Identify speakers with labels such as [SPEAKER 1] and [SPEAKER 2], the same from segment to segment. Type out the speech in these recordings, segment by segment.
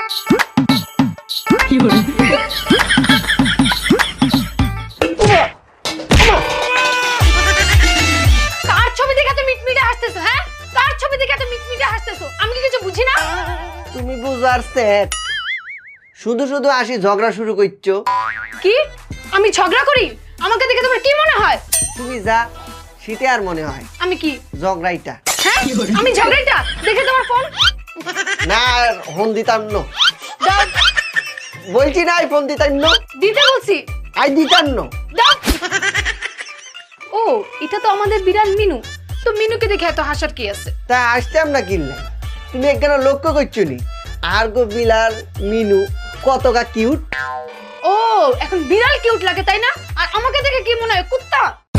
[SPEAKER 1] কার ছবি দেখে এত মিটমিটে হাসতেছো? হ্যাঁ, কার ছবি দেখে এত মিটমিটে হাসতেছো? আমি কি কিছু বুঝি না?
[SPEAKER 2] তুমি বুঝার সেট শুধু শুধু আসি ঝগড়া শুরু করছো।
[SPEAKER 1] কি আমি ঝগড়া করি? আমাকে দেখে তোমার কি মনে হয়?
[SPEAKER 2] তুমি যা শীতে আর মনে হয়
[SPEAKER 1] আমি কি
[SPEAKER 2] ঝগড়াইটা।
[SPEAKER 1] হ্যাঁ আমি ঝগড়াটা দেখে তোমার ফোন
[SPEAKER 2] না ফোন দিতাম ন,
[SPEAKER 1] দাও।
[SPEAKER 2] বলছি না আই ফোন দিতাম ন,
[SPEAKER 1] দিতে বলছি,
[SPEAKER 2] আই দিতাম ন।
[SPEAKER 1] দাও। ও এটা তো আমাদের বিড়াল মিনু। তো মিনুকে দেখে এত হাসার কি আছে?
[SPEAKER 2] তা আসতাম না কিনলে, তুমি একখানা লক্ষ্য করছো নি আর গো বিলাল মিনু কতটা কিউট।
[SPEAKER 1] ও এখন বিড়াল কিউট লাগে তাই না? আর আমাকে দেখে কি মনে হয় কুত্তা?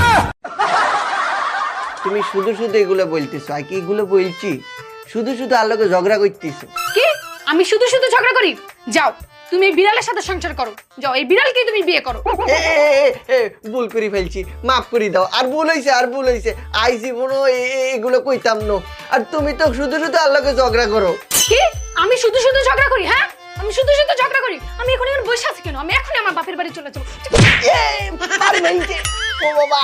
[SPEAKER 2] তুমি শুধু শুধু এগুলো বলতেছো, আর কি এগুলো বলছি শুধু শুধু আল্লাহকে ঝগড়া করতেছো।
[SPEAKER 1] কি আমি শুধু শুধু ঝগড়া করি? যাও তুমি এই বিড়ালের সাথে সংসার করো, যাও এই বিড়ালকে তুমি বিয়ে করো।
[SPEAKER 2] এ, এ, এ, এ, ভুল করে ফেলছি, মাফ করে দাও। আর ভুল হয়েছে, আর ভুল হয়েছে, আই জীবনও এগুলো কইতাম না। আর তুমি তো শুধু শুধু আল্লাহকে ঝগড়া করো।
[SPEAKER 1] কি আমি শুধু শুধু ঝগড়া করি? হ্যাঁ আমি শুধু শুধু ঝগড়া করি? আমি এখন এখানে বসে আছি কেন? আমি এখনই আমার বাপের বাড়ি চলে যাবো।
[SPEAKER 2] এ, পারি ভাইছে, ও বাবা।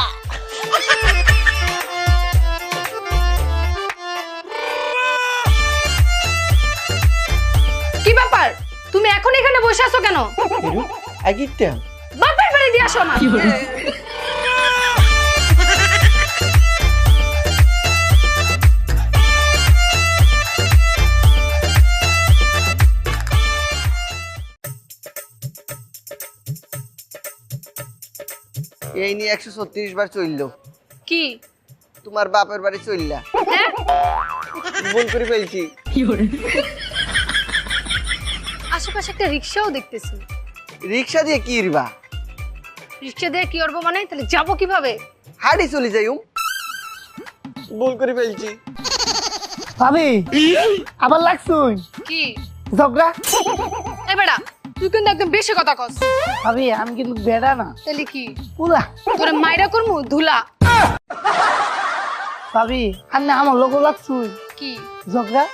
[SPEAKER 1] কি ব্যাপার তুমি এখন এখানে বসে আছো কেন?
[SPEAKER 2] আগিটা
[SPEAKER 1] বাপের বাড়ি দিয়ে আসো আমার।
[SPEAKER 2] এই নিয়ে 136 বার চললো,
[SPEAKER 1] কি
[SPEAKER 2] তোমার বাপের বাড়ি চললা।
[SPEAKER 1] হ্যাঁ
[SPEAKER 2] ভুল করে ফেলছি।
[SPEAKER 1] আশেপাশে একটা রিক্সাও দেখতেছি।
[SPEAKER 2] রিক্সা দিয়ে কি ইরবা?
[SPEAKER 1] রিক্সা দিয়ে কি করবো মানে? তাহলে যাবো কিভাবে?
[SPEAKER 2] হাড়ি চলে যাইম। ভুল করে ফেলছি।
[SPEAKER 3] ভাবি আবার লাগছুন
[SPEAKER 1] কি
[SPEAKER 3] ঝগড়া?
[SPEAKER 1] এ বেটা তুই কিন্তু একদম বেশি কথা কস।
[SPEAKER 3] ভাবি আমি কিন্তু বেড়া না,
[SPEAKER 1] তাহলে কি
[SPEAKER 3] পুরা।
[SPEAKER 1] তোরে মাইরা করমু ধুলা।
[SPEAKER 3] ভাবি আপনি আমার লোক লাগছুন
[SPEAKER 1] কি
[SPEAKER 3] ঝগড়া?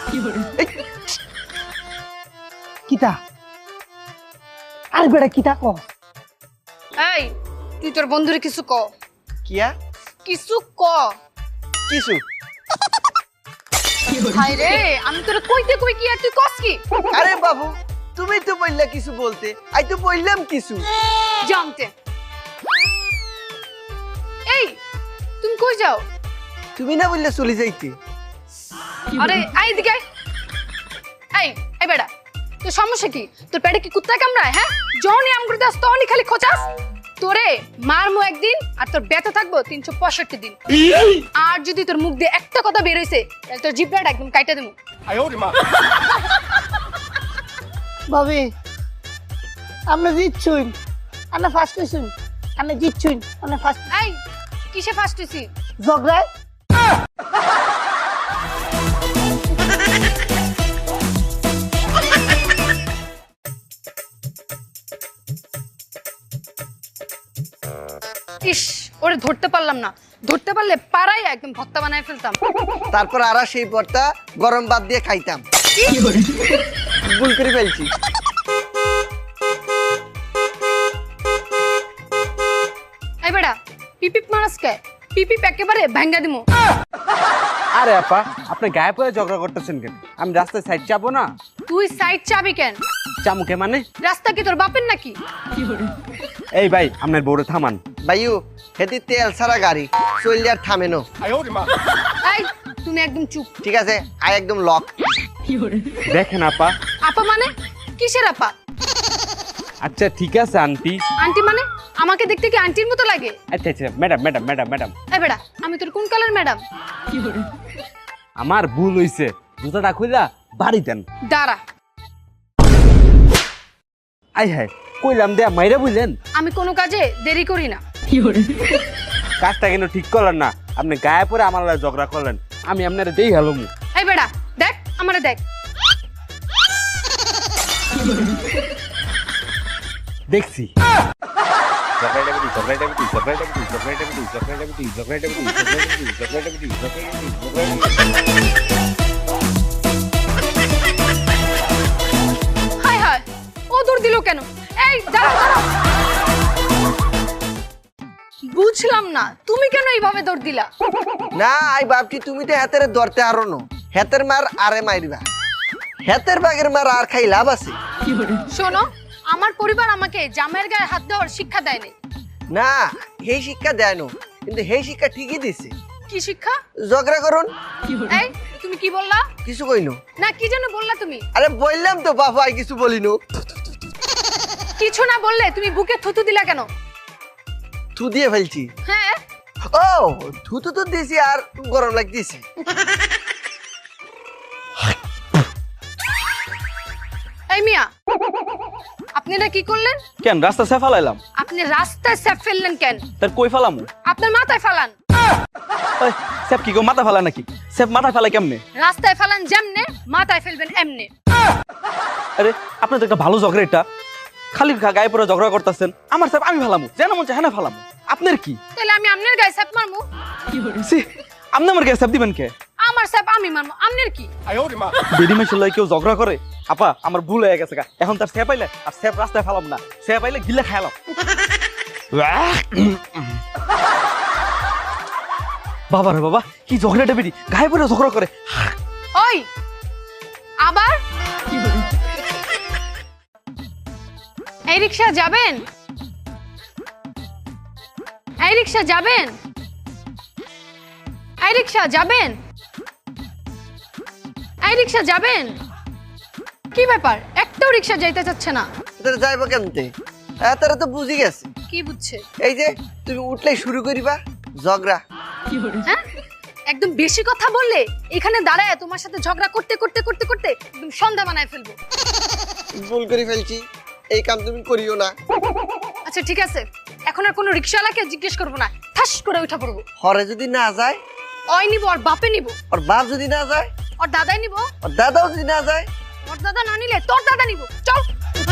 [SPEAKER 3] কিতা? আর বেড়া কিতা ক?
[SPEAKER 1] এই তুই তোর বন্ধুরে কিছু ক,
[SPEAKER 2] কিয়া
[SPEAKER 1] কিছু ক।
[SPEAKER 2] কিছু?
[SPEAKER 1] হাই রে আমি তোরে কইতে কই কি আর তুই কস কি?
[SPEAKER 2] আরে বাবু তুমি তো বললা কিছু বলতে, আই তো বললাম কিছু।
[SPEAKER 1] জানতে এই তুমি কই যাও?
[SPEAKER 2] তুমি না বললে চলে যাইতে।
[SPEAKER 1] আরে আই এদিকে আয়। এই এই বেটা তোর সমস্যা কি? তোর পেটে কি কুত্তা কামড়ায়? হ্যাঁ যখনই আম করতে আস তখনই খালি খোঁচাস। তোরে মারমু একদিন আর তোর ব্যথা থাকবো 365 দিন। আর যদি তোর মুখ দিয়ে একটা কথা বের হইছে তাহলে তোর জিভটা একদম কাইটা দেবো।
[SPEAKER 3] ভাবি আপনি জিতছুন, আপনি ফার্স্ট হইছুন, আপনি জিতছুন, আপনি ফার্স্ট।
[SPEAKER 1] এই কিসে ফার্স্ট হইছি?
[SPEAKER 3] ঝগড়ায়
[SPEAKER 1] ইস ওরে ধরতে পারলাম না, ধরতে পারলে পাড়াই একদম ভর্তা বানায় ফেলতাম।
[SPEAKER 2] তারপর আর সেই পরটা গরম ভাত দিয়ে খাইতাম। ভুল করে ফেলছি।
[SPEAKER 1] এই বেটা পিপিপ মারাস কে? পিপিপ একেবারে ভাঙ্গা দিমু।
[SPEAKER 4] আরে আপা আপনি গায়ে পড়ে ঝগড়া করতেছেন কেন? আমি রাস্তায় সাইড চাপবো না?
[SPEAKER 1] তুই সাইড চাবি কেন?
[SPEAKER 4] চামুকে মানে?
[SPEAKER 1] রাস্তা কি তোর বাপের নাকি?
[SPEAKER 4] এই ভাই আপনার বউরে থামান।
[SPEAKER 2] ভাইও হেতি তেল ছাড়া গাড়ি চললে আর থামে না।
[SPEAKER 1] এই তুমি একদম চুপ।
[SPEAKER 2] ঠিক আছে আই একদম লক।
[SPEAKER 4] দেখেন আপা।
[SPEAKER 1] আপা মানে কিসের আপা?
[SPEAKER 4] আচ্ছা ঠিক আছে আন্টি।
[SPEAKER 1] আন্টি মানে আমাকে দেখতে কি আন্টির মতো লাগে?
[SPEAKER 4] আচ্ছা আচ্ছা ম্যাডাম ম্যাডাম ম্যাডাম ম্যাডাম।
[SPEAKER 1] এই বেটা আমি তোর কোন কালার ম্যাডাম?
[SPEAKER 4] আমার ভুল হইছে, জুতাটা খুইলা বাড়ি দেন।
[SPEAKER 1] দাঁড়া
[SPEAKER 4] আই হ্যাঁ কইলাম দেয়া মাইরা বুঝলেন।
[SPEAKER 1] আমি কোনো কাজে দেরি করি না।
[SPEAKER 4] কাজটা কেন ঠিক করলেন না? আপনি গায়ে পরে আমার লগে ঝগড়া করলেন, আমি আপনার দেই হ্যালো মু।
[SPEAKER 1] এই বেটা দেখ আমারে দেখ।
[SPEAKER 4] দেখছি
[SPEAKER 1] দৌড় দিল কেন? এই দাঁড়াও দাঁড়াও। বুঝলাম না তুমি কেন এইভাবে দৌড় দিলা?
[SPEAKER 2] না আই ভাবছি তুমি তো হাতের ধরতে আরো নো, হাতের মার আরে মারিবা, হাতের বাগের মার আর খাই লাভ আছে?
[SPEAKER 1] শোনো, আমার পরিবার আমাকে জামাইয়ের গায়ে হাত দেওয়ার শিক্ষা দেয়নি।
[SPEAKER 2] না এই শিক্ষা দেয় না, কিন্তু এই শিক্ষা ঠিকই দিছে।
[SPEAKER 1] কি শিক্ষা?
[SPEAKER 2] ঝগড়া করুন।
[SPEAKER 1] এই তুমি কি বললা?
[SPEAKER 2] কিছু কইনো।
[SPEAKER 1] না কি যেন বললা তুমি?
[SPEAKER 2] আরে বললাম তো বাবা, আর কিছু বলিনু।
[SPEAKER 1] কিছু না বললে তুমি বুকে থুতু দিলা কেন?
[SPEAKER 2] থু দিয়ে ফেলছি।
[SPEAKER 1] হ্যাঁ
[SPEAKER 2] ও থুতু তো দিছি আর গরম লাগতেছে।
[SPEAKER 1] এই মিয়া, আপনি এটা কি করলেন?
[SPEAKER 5] কেন রাস্তা সে ফালাইলাম?
[SPEAKER 1] আপনি রাস্তায় স্যাপ ফেললেন কেন?
[SPEAKER 5] তার কই ফালামু?
[SPEAKER 1] আপনার মাথায় ফালান।
[SPEAKER 5] ওই সেপ কি গো মাথা ফালা নাকি? সেপ মাথা ফালাই কেমনে?
[SPEAKER 1] রাস্তায় ফালান যেমনে, মাথায় ফেলবেন এমনে।
[SPEAKER 5] আরে আপনি তো একটা ভালো ঝগড়া, এটা খালি গায়ে পরে ঝগড়া করতেছেন। আমার সেপ আমি ফালামু, যেন মন চায় হ্যাঁ ফালামু। আপনার কি?
[SPEAKER 1] তাহলে আমি আপনার গায়ে স্যাপ মারমু?
[SPEAKER 5] সি, আপনি আমার গায়ে সেপ দিবেন কে?
[SPEAKER 1] আমার স্যাপ আমি মারমু, আপনার কি?
[SPEAKER 5] বেডি মেশিন লয় কেউ ঝগড়া করে? আপা আমার ভুল হয়ে গেছে গা, এখন তার সেপ আইলে আর সেপ রাস্তায় ফালাম না, সেপ আইলে গিলে খাইলাম। বাবা রে বাবা, কি ঝগড়াটা বেডি গায়ে পরে ঝগড়া করে।
[SPEAKER 1] ওই আবার এই রিকশা যাবেন? এই রিকশা যাবেন? এই রিকশা যাবেন? এই রিকশা যাবেন? কি ব্যাপার, একটাও রিকশা যাইতে চাচ্ছে না?
[SPEAKER 2] তোর যাইবো কেমতে? তারা তো বুঝি গেছে।
[SPEAKER 1] কি বুঝছে?
[SPEAKER 2] এই যে তুমি উঠলেই শুরু করিবা ঝগড়া।
[SPEAKER 1] হ্যাঁ, একদম বেশি কথা বললে এখানে দাঁড়ায় তোমার সাথে ঝগড়া করতে করতে করতে করতে একদম সন্ধ্যা বানায় ফেলবো।
[SPEAKER 2] ভুল করে ফেলছি, এই কাম তুমি করিও না।
[SPEAKER 1] আচ্ছা ঠিক আছে, এখন আর কোনো রিকশাওয়ালাকে জিজ্ঞেস করবো না, ঠাস করে উঠা পড়বো।
[SPEAKER 2] হরে যদি না যায়?
[SPEAKER 1] ওই নিবো, আর বাপে নিবো।
[SPEAKER 2] ওর বাপ যদি না যায়?
[SPEAKER 1] ওর দাদাই নিবো।
[SPEAKER 2] ওর দাদাও যদি না যায়?
[SPEAKER 1] ওর দাদা না নিলে তোর দাদা নিবো। চল।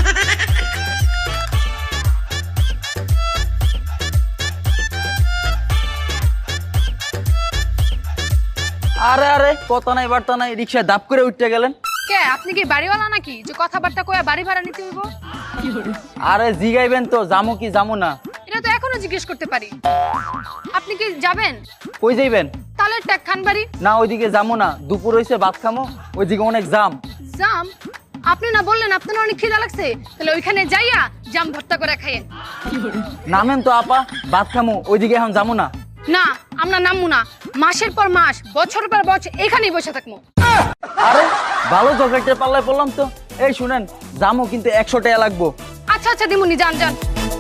[SPEAKER 5] আরে আরে কথা নাই বার্তা নাই, রিক্সায় দাপ করে উঠতে গেলেন।
[SPEAKER 1] কে আপনি কি বাড়িওয়ালা নাকি যে কথাবার্তা কয়ে বাড়ি ভাড়া নিতে হইব?
[SPEAKER 5] আরে জিগাইবেন তো জামু কি জামু না?
[SPEAKER 1] এটা তো এখনো জিজ্ঞেস করতে পারি। আপনি কি যাবেন?
[SPEAKER 5] কই যাইবেন?
[SPEAKER 1] তাহলে ট্যাক খান বাড়ি।
[SPEAKER 5] না ওইদিকে যামু না, দুপুর হইছে ভাত খামো, ওইদিকে অনেক জাম।
[SPEAKER 1] জাম? আপনি না বললেন আপনার অনেক খিদা লাগছে, তাহলে ওইখানে যাইয়া জাম ভর্তা করে খাইয়েন।
[SPEAKER 5] নামেন তো আপা, ভাত খামো, ওইদিকে এখন যামু না।
[SPEAKER 1] না আমরা নামবো না, মাসের পর মাস বছর পর বছর এখানেই বসে থাকবো।
[SPEAKER 5] আরে ভালো ঝগড়াইতে পাল্লায় পড়লাম তো। এই শুনেন, জামু কিন্তু 100 টাকা লাগবো।
[SPEAKER 1] আচ্ছা আচ্ছা দিমুনি, যান যান।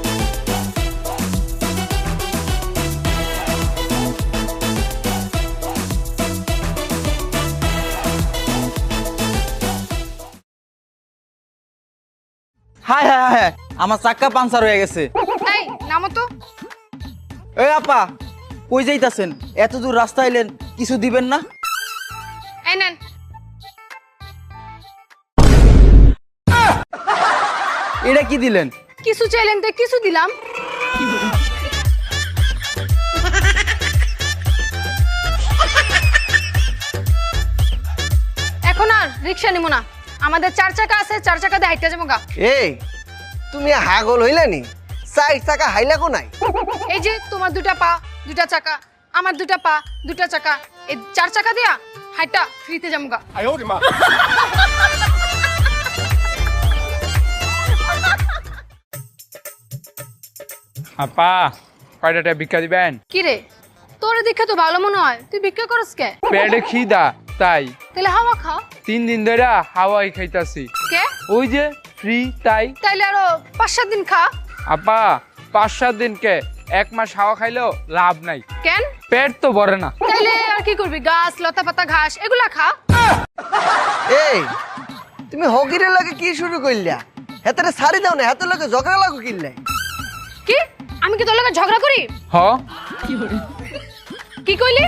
[SPEAKER 5] হায় হায় হায়, আমার চাক্কা পাঞ্চার হয়ে গেছে।
[SPEAKER 1] এই নামো তো।
[SPEAKER 5] এই আপা কই যাইতাছেন? এত দূর রাস্তা আইলেন, কিছু দিবেন না?
[SPEAKER 1] এই নেন।
[SPEAKER 5] এটা কি দিলেন?
[SPEAKER 1] কিছু চাইলেন তো কিছু দিলাম। এখন আর রিক্সা নিব না, আমাদের 4 চাকা আছে, 4 চাকা দিয়ে হাইটা যাবো গা।
[SPEAKER 2] এই তুমি হাগল হইলে নি? 4 চাকা হাইলা কো নাই?
[SPEAKER 1] এই যে তোমার 2টা পা 2টা চাকা, আমার 2টা পা 2টা চাকা, এই 4 চাকা দিয়া হাইটা ফ্রিতে যাবো গা।
[SPEAKER 6] আপা কয়টা ভিক্ষা দিবেন?
[SPEAKER 1] কি রে, তোর দেখে তো ভালো মনে হয়, তুই ভিক্ষা করস কে?
[SPEAKER 6] পেটে খিদা তাই।
[SPEAKER 1] তাহলে হাওয়া খা।
[SPEAKER 6] 3 দিন ধরে হাওয়াই খাইতাছি।
[SPEAKER 1] কে?
[SPEAKER 6] ওই যে ফ্রি তাই।
[SPEAKER 1] তাইলে আরো 5-7 দিন খা।
[SPEAKER 6] আপা 5-7 দিনকে 1 মাস হাওয়া খাইলেও লাভ নাই,
[SPEAKER 1] কেন?
[SPEAKER 6] পেট তো ভরে না।
[SPEAKER 1] তাইলে আর কি করবি, গাছ লতা পাতা ঘাস এগুলা খা।
[SPEAKER 2] এই তুমি হকিরের লাগে কি শুরু করলা? হেতারে সারি দাও না, হেতার লাগে ঝগড়া লাগো কিনলে?
[SPEAKER 1] কি আমি কি তোর লগে ঝগড়া করি?
[SPEAKER 6] হ
[SPEAKER 1] কি কইলি?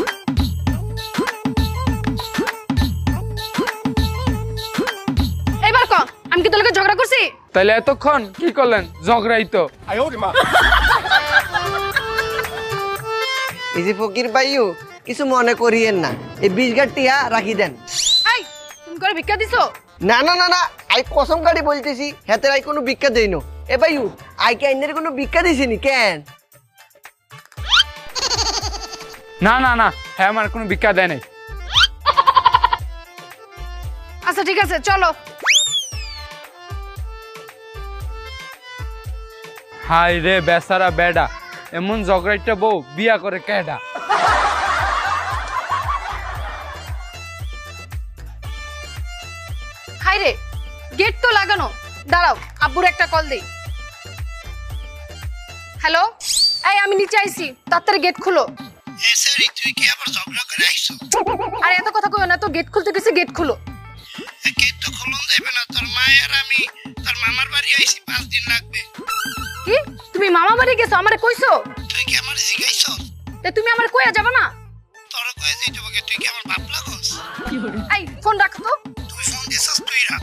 [SPEAKER 1] এবার ক আমি কি তোর লগে ঝগড়া করছি?
[SPEAKER 6] তাহলে এতক্ষণ কি করলেন? ঝগড়াই তো।
[SPEAKER 2] এই যে ফকির ভাইও কিছু মনে করিয়েন না, এই 20 গাঁট টিয়া রাখি দেন।
[SPEAKER 1] এই তুমি করে ভিক্ষা দিছো?
[SPEAKER 2] না না না না আই কসম কাটি বলতেছি হেতের আই কোনো ভিক্ষা দেই না। এ ভাইউ আই কি আইনের কোনো ভিক্ষা দিছিনি কেন?
[SPEAKER 6] না না না হ্যাঁ আমার কোনো ভিক্ষা দেয় নাই।
[SPEAKER 1] আচ্ছা ঠিক আছে চলো।
[SPEAKER 6] হাই রে বেচারা বেডা, এমন ঝগড়াইটা বউ বিয়া করে কেডা?
[SPEAKER 1] হাই রে, গেট তো লাগানো, দাঁড়াও আব্বুর একটা কল দেই। হ্যালো, এই আমি নিচে আইছি, তাড়াতাড়ি গেট খুলো।
[SPEAKER 2] এ স্যার তুই কি আবার ঝগড়া করে আইছো?
[SPEAKER 1] আরে এত কথা কইও না তো, গেট খুলতে গেছি, গেট খুলো।
[SPEAKER 2] গেট তো খুলন যাইবে না, তোর মা আর আমি তোর মামার বাড়ি আইছি, 5 দিন লাগবে।
[SPEAKER 1] কি তুমি মামা বাড়ি গেছো? আমারে কইছো?
[SPEAKER 2] তুই কি আমার জিগাইছো?
[SPEAKER 1] তে তুমি আমারে কইয়া যাবে না?
[SPEAKER 2] তোর কয়ে যাইতে বকে তুই কি আমার বাপ লাগোস?
[SPEAKER 1] এই ফোন রাখ তো।
[SPEAKER 2] তুই ফোন দিছস তুই রাখ।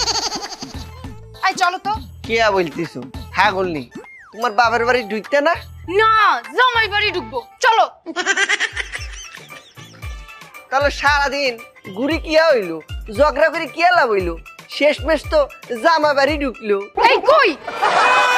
[SPEAKER 1] এই চলো তো।
[SPEAKER 2] কে বলতিছো? হ্যাঁ বলনি তোমার বাবার বাড়ি ঢুকতে না?
[SPEAKER 1] না, জামাই বাড়ি ঢুকবো, চলো।
[SPEAKER 2] তাহলে সারাদিন ঘুরি কিয়া হইলো, ঝগড়া করে কিয়া লাভ হইলো? শেষমেশ তো জামা বাড়ি ঢুকলো।
[SPEAKER 1] এই কই